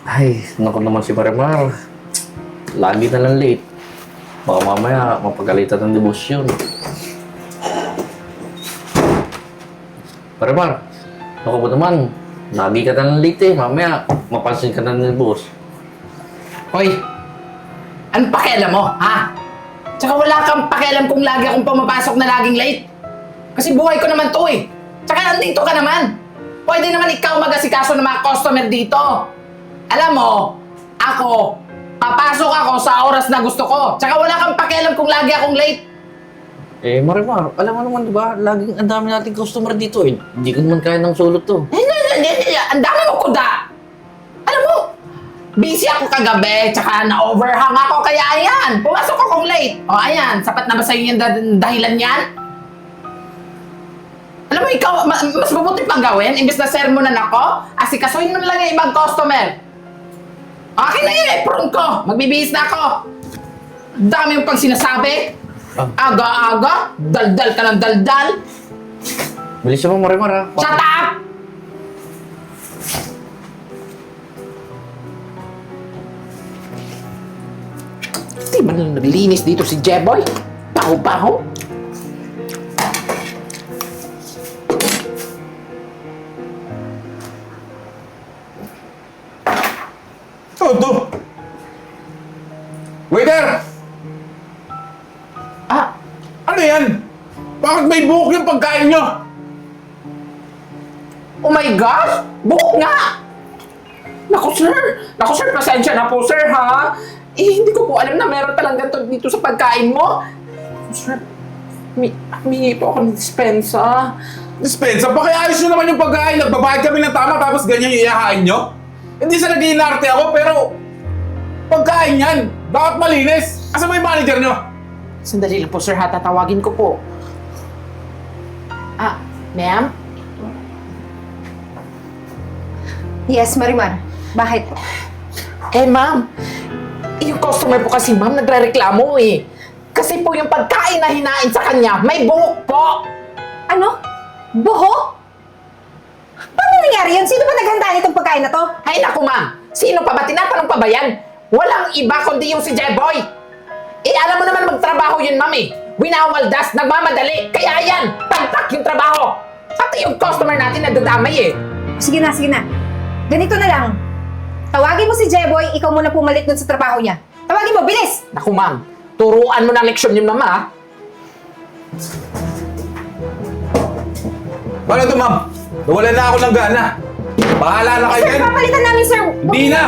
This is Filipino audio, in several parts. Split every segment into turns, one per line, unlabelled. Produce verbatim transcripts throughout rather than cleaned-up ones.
Ay, naku naman si Marimar. Lagi na lang late. Baka mamaya mapagalitan ng debosyon. Marimar, naku po naman. Lagi ka na lang late eh. Mamaya mapansin ka na ng boss.
Hoy! Anong pakialam mo, ha? Tsaka wala kang pakialam kung lagi akong pumapasok na laging late. Kasi buhay ko naman to eh. Tsaka nandito ka naman. Pwede naman ikaw mag-asikaso ng mga customer dito. Alam mo, ako, papasok ako sa oras na gusto ko. Tsaka wala kang pakialam kung lagi akong late.
Eh, Marimar, alam mo naman diba, laging ang dami nating customer dito eh. Hindi ko naman kaya ng sulot to.
Hindi, hindi, hindi, hindi. Ang dami mo kuda. Alam mo, busy ako kagabi, tsaka na-overhang ako, kaya ayan, pumasok akong late. O ayan, sapat na ba sa'yo yung dah- dahilan yan? Alam mo, ikaw, ma- mas mabuti pang gawin, imbes na sermonan ako, asikasuhin mo na lang yung ibang customer. Akin na yung apron ko, magbibihis na ako. Ang dami yung pang sinasabi.
Ah.
Aga-aga, daldal ka ng daldal.
Bilis mo, Marimar ha.
Shut up! Di man lang naglinis dito si Jeboy. Paho-paho.
Oh, to! Waiter!
Ah,
Ano yan? Bakit may buhok yung pagkain nyo?
oh my gosh! Buhok nga! Naku sir! Naku sir, pasensya na po sir ha! Eh, hindi ko po alam na meron palang ganito dito sa pagkain mo. Sir, mi humingi po ako ng dispensa.
Dispensa, pakiayos nyo naman yung pagkain. Nagbabayad kami ng tama tapos ganyan yung iyahain nyo? Hindi sa nag-iinarte ako, pero pagkain yan. Bakit malinis? Asa mo yung manager nyo?
Sandali lang po sir ha, tatawagin ko po. Ah, ma'am?
Yes, Marimar. Bakit?
Eh ma'am, yung customer po kasi ma'am nagre-reklamo eh. Kasi po yung pagkain na hinain sa kanya, may buhok po!
Ano? Buhok? Paano nangyari yun? Sino ba naghanda nitong pagkain na to?
Ay naku ma'am, sino pa ba? Tinatanong pa ba yan? Walang iba kundi yung si Jeboy. Eh alam mo naman magtrabaho yun ma'am eh. Winawaldas, nagmamadali. Kaya yan, pagtak yung trabaho. Pati yung customer natin nadadamay eh.
Sige na, sige na. Ganito na lang. Tawagin mo si Jeboy, ikaw muna pumalit dun sa trabaho niya. Tawagin mo, bilis!
Naku ma'am, turuan mo ng leksyon yung mama ha.
Paano to, ma'am? Nawalan na ako ng gana. Bahala na kayo
Sir,
yan.
papalitan namin, sir!
Hindi na!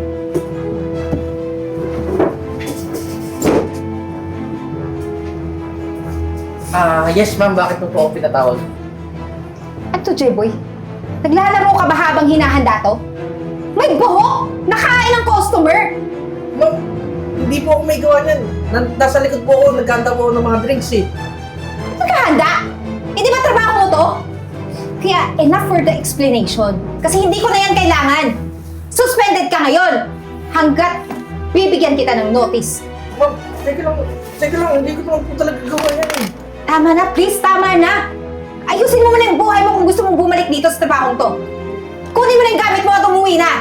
Ah, yes ma'am, bakit mo po ako pinatawag?
Ano to, Jeboy? Naglalaro ka ba habang hinahanda to? May buhok! Nakain ng customer!
Ma'am, hindi po ako may gawa niyan. Nan- nasa likod po ako, nagkanta po ako ng mga drinks eh.
Nagkahanda? Hindi ba trabaho mo to? Kaya enough for the explanation. Kasi hindi ko na yan kailangan. Suspended ka ngayon. Hanggat bibigyan kita ng notice.
Ma'am, teka lang, teka lang, hindi ko naman po talaga gawa yan eh.
Tama na, please, tama na. Ayusin mo muna yung buhay mo kung gusto mong bumalik dito sa trabahong to. Kunin mo na yung gamit mo at umuwi na.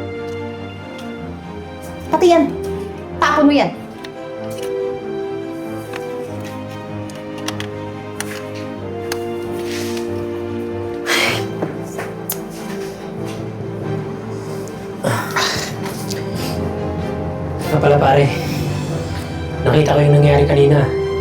Pati yan. Tapon mo yan.
Nga pala pare, nakita ko yung nangyari kanina.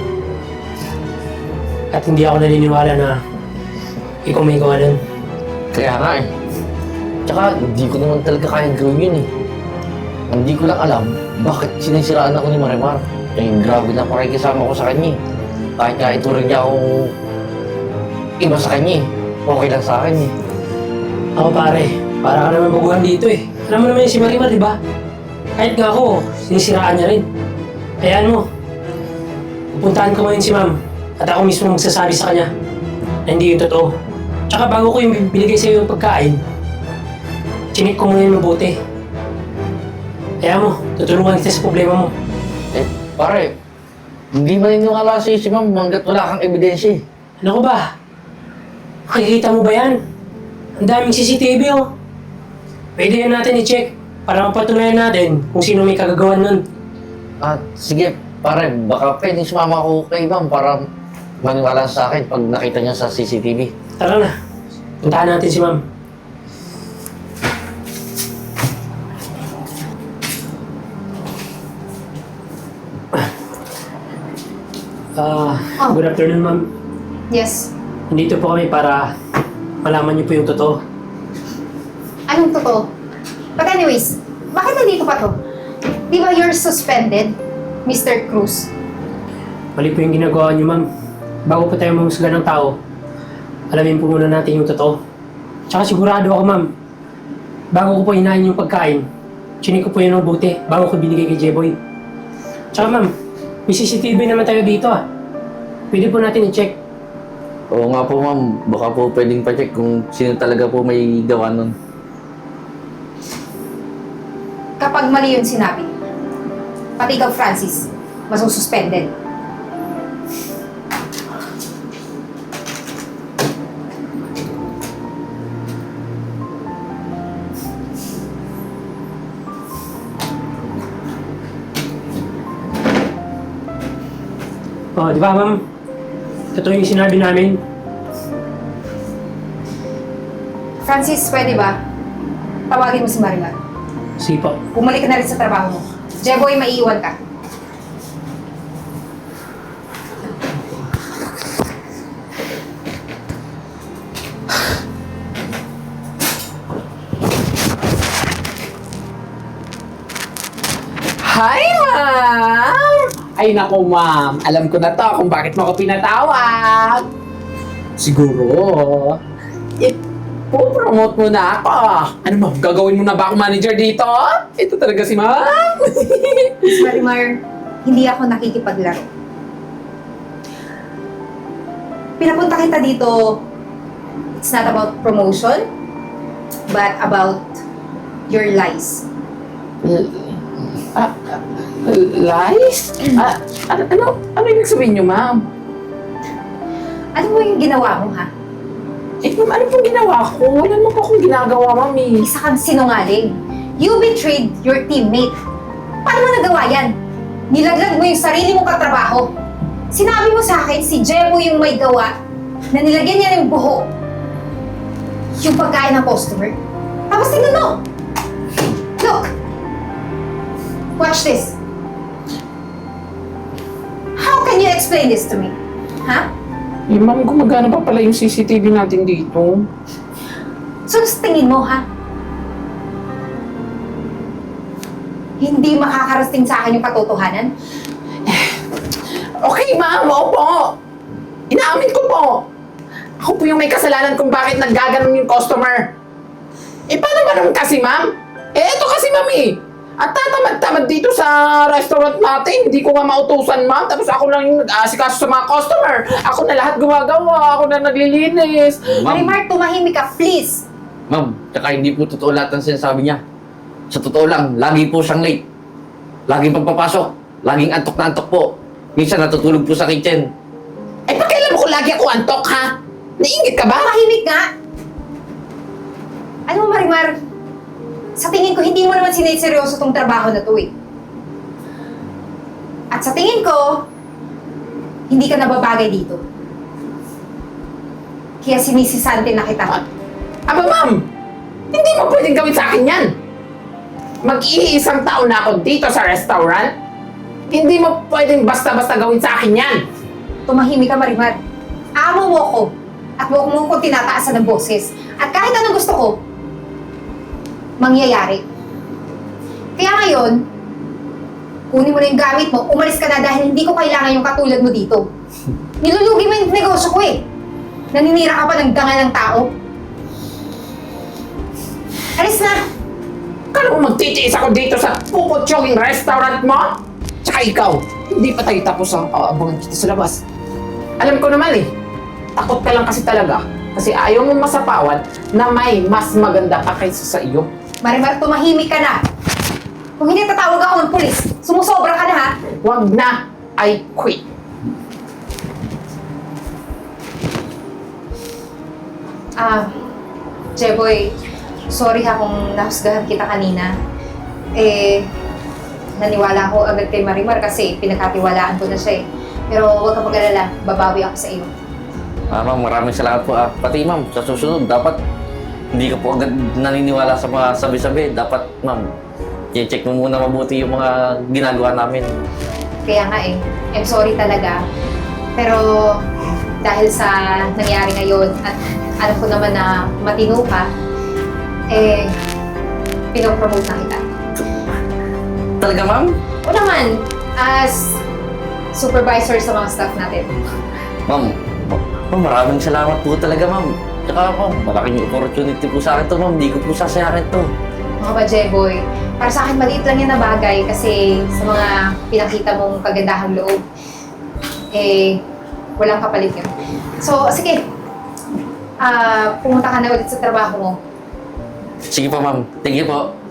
At hindi ako naniniwala na ikaw may gawa nun.
Kaya nga eh. Tsaka, hindi ko naman talaga kayang gawin yun eh. Hindi ko lang alam bakit sinisiraan ako ni Marimar. Eh, grabe na pakikisama ko sa kanya eh. Kahit nga ituring niya akong iba sa kanya eh. Okay lang sa akin eh.
Ako pare, para ka naman baguhan dito eh. Alam mo naman yung si Marimar, di ba? Kahit nga ako, sinisiraan niya rin. Hayaan mo, pupuntahan ko ngayon si ma'am at ako mismo magsasabi sa kanya na hindi yung totoo. Tsaka bago ko yung binigay sa iyo yung pagkain, chinik ko muna yung mabuti. Kaya mo, tutulungan kita sa problema mo.
Eh, pare, hindi maniniwala sa'yo si ma'am hanggat wala kang ebidensya eh.
Ano ko ba? Makikita mo ba yan? Ang daming C C T V oh. Pwede yan natin i-check. Para mapatunayan natin kung sino may kagagawan nun.
At sige, pare, baka pwedeng sumama ako kay ma'am para maniwala sa akin pag nakita niya sa C C T V.
Tara na. Puntahan natin si ma'am. Ah,
Oh.
good afternoon, ma'am.
Yes.
Nandito po kami para malaman niyo po yung totoo.
Anong totoo? But anyways, bakit nandito pa to? Di ba you're suspended, Mister Cruz?
Mali po yung ginagawa niyo, ma'am. Bago po tayo mamusga ng tao, alamin po muna natin yung totoo. Tsaka sigurado ako, ma'am. Bago ko po hinahin yung pagkain, chinik ko po yun ng buti bago ko binigay kay J-Boy. Tsaka, ma'am, may C C T V naman tayo dito, ah. Pwede po natin i-check.
Oo nga po ma'am, baka po pwedeng pa-check kung sino talaga po may gawa nun.
Kapag mali yung sinabi, pati ikaw, Francis, masususpended.
Oh, di ba, ma'am? Totoo yung sinabi namin.
Francis, pwede ba? Tawagin mo si Marimar.
Sige po.
Bumalik ka na rin sa trabaho mo. Jeboy, maiiwan ka.
Hi, ma'am! Ay, naku, ma'am. Alam ko na to kung bakit mo ako pinatawag. Siguro, ipo-promote mo na ako. Ano, ma'am? Gagawin mo na ba ako manager dito? Ito talaga si ma'am.
Miss Marimar, hindi ako nakikipaglaro. Pinapunta kita dito, it's not about promotion, but about your lies.
Ah, ah, lies? Ah, ano, ano, ano ibig sabihin niyo, ma'am?
Ano mo yung ginawa mo, ha?
Eh, ma'am, ano pong ginawa ko? Wala naman po akong ginagawa, ma'am, eh.
Isa kang sinungaling. You betrayed your teammate. Paano mo nagawa yan? Nilaglag mo yung sarili mong katrabaho. Sinabi mo sa akin, si Jebo yung may gawa na nilagyan niya ng buho yung pagkain ng customer. Tapos tingnan mo! Look! Watch this. How can you explain this to me? Ha?
Eh, ma'am, gumagana pa pala yung C C T V natin dito.
So, sa tingin mo, ha? Hindi makakarating sa akin yung katotohanan?
Okay, ma'am. Opo. Inaamin ko po. Ako po yung may kasalanan kung bakit naggaganon yung customer. Eh, paano ba naman kasi, ma'am? Eh, eto kasi, ma'am, eh. At tatamad-tamad dito sa restaurant natin. Hindi ko nga mautusan, ma'am. Tapos ako lang yung nag-aasikaso sa mga customer. Ako na lahat gumagawa. Ako na naglilinis.
Ma'am,
Marimar, tumahimik ka, please!
ma'am, tsaka hindi po totoo lahat ng sinasabi niya. Sa totoo lang, lagi po siyang late. Laging pagpapasok. Laging antok na antok po. Minsan natutulog po sa kitchen.
Eh, pakailan mo ko lagi ako antok, ha? Naingit ka ba?
Tumahimik nga! Alam mo, Marimar, sa tingin ko, hindi mo naman siniseryoso tong trabaho na to, eh. At sa tingin ko, hindi ka nababagay dito. Kaya sinisisante na kita.
Aba, ma'am! Hindi mo pwedeng gawin sa akin yan! Mag-iisang taon na ako dito sa restaurant. Hindi mo pwedeng basta-basta gawin sa akin yan!
Tumahimik ka, Marimar. Amo mo ko. At huwag mo ko tinataasan ng boses. At kahit anong gusto ko, mangyayari. Kaya ngayon, kunin mo na yung gamit mo, umalis ka na dahil hindi ko kailangan yung katulad mo dito. Nilulugi mo yung negosyo ko eh. Naninira ka pa ng dangal ng tao. Alis na!
Kala mo magtitiis ako dito sa puputyoging restaurant mo? Tsaka ikaw, hindi pa tayo tapos ang aabangan kita sa labas. Alam ko naman eh, takot ka lang kasi talaga. Kasi ayaw mo masapawan na may mas maganda pa kaysa sa iyo.
Marimar, tumahimik ka na. Kung hindi tatawag ako ng pulis, sumusobra ka na ha.
Wag na, I quit.
Ah, Jeboy, sorry ha kung nahusgahan kita kanina. Eh, naniwala ako agad kay Marimar kasi pinagkatiwalaan ko na siya eh. Pero huwag ka mag-alala, babawi ako sa iyo.
Ah, ma'am, maraming salamat po. Ah, pati ma'am, sa susunod, dapat hindi ka po agad naniniwala sa mga sabi-sabi. Dapat, ma'am, i-check mo muna mabuti yung mga ginagawa namin.
Kaya nga eh, I'm sorry talaga. Pero dahil sa nangyari ngayon at alam ko naman na matino ka, eh, pinopromote na kita.
Talaga, ma'am?
O naman, as supervisor sa mga staff natin.
Ma'am, ma- ma'am, maraming salamat po talaga, ma'am. Tsaka, ma'am, malaking opportunity po sa akin to, ma'am. Hindi ko po sasayangin to.
Mga ba, Jeboy, para sa akin maliit lang yan na bagay kasi sa mga pinakita mong kagandahang loob, eh, walang kapalit yun. So, sige, ah pumunta ka na ulit sa trabaho mo.
Sige po, ma'am. Thank you po.